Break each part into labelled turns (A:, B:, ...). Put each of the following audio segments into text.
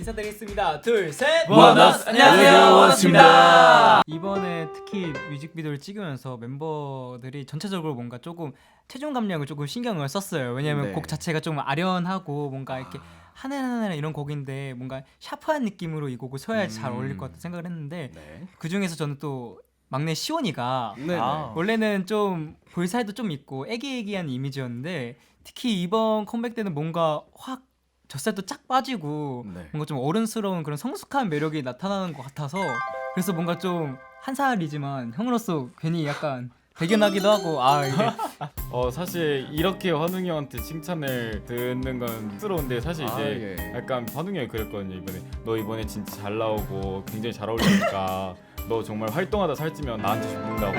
A: 인사드리겠습니다. 둘, 셋.
B: 원어스! 안녕하세요, 원어스입니다.
A: 이번에 특히 뮤직비디오를 찍으면서 멤버들이 전체적으로 뭔가 조금 체중 감량을 조금 신경을 썼어요. 왜냐면
B: 네.
A: 곡 자체가 좀 아련하고 뭔가 이렇게 하늘하늘 이런 곡인데 뭔가 샤프한 느낌으로 이 곡을 써야 잘 어울릴 것 같다 생각을 했는데
B: 네.
A: 그 중에서 저는 또 막내 시원이가
B: 네네.
A: 원래는 좀 볼살도 좀 있고 애기애기한 이미지였는데 특히 이번 컴백 때는 뭔가 확 젖살도 쫙 빠지고
B: 네.
A: 뭔가 좀 어른스러운 그런 성숙한 매력이 나타나는 것 같아서 그래서 뭔가 좀 한 살이지만 형으로서 괜히 약간 대견하기도 하고 이게
C: 사실 이렇게 환웅이 형한테 칭찬을 듣는 건 쑥스러운데 사실 이제
B: 예.
C: 약간 환웅이 형이 그랬거든요. 이번에 너 이번에 진짜 잘 나오고 굉장히 잘 어울리니까 너 정말 활동하다 살찌면 나한테 죽는다고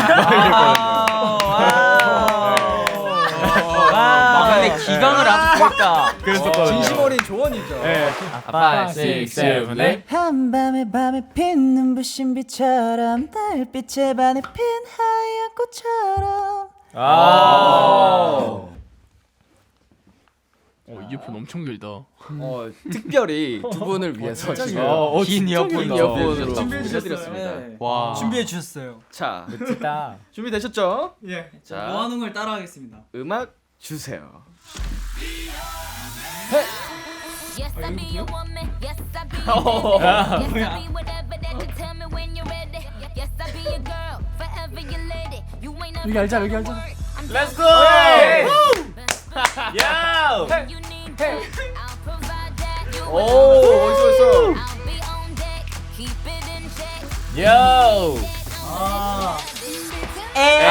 D: 막내 기강을 아주 보였다.
C: 그랬었거든요.
B: 진심 어린 조언이죠.
C: 네.
D: 5, 6, 7, 8.
E: 한밤에 밤에 핀 눈부신 빛처럼 달빛에 반해 핀 하얀 꽃처럼
F: 이어폰 엄청 길다.
B: 특별히 두 분을 위해서 지금
A: 긴
B: 이어폰으로
A: 준비해주셨어요.
B: 준비해드렸습니다.
A: 와 준비해 주셨어요.
B: 자,
A: 멋지다.
B: 준비되셨죠?
A: 예.
B: 자,
A: 모아놓은 걸 따라하겠습니다.
B: 음악 주세요.
G: Yes, I be your woman. Yes, I be your man. Yes, I be whatever that you tell me when you're ready. Yes, I be your girl, forever your lady. You ain't never
A: 알자, 여기 알자.
G: Let's
C: go!
G: Yo! You need that. I'll provide that. You
B: 오, 멋있어.
G: I'll be on deck. Keep it in check.
C: Yo!
G: Hey!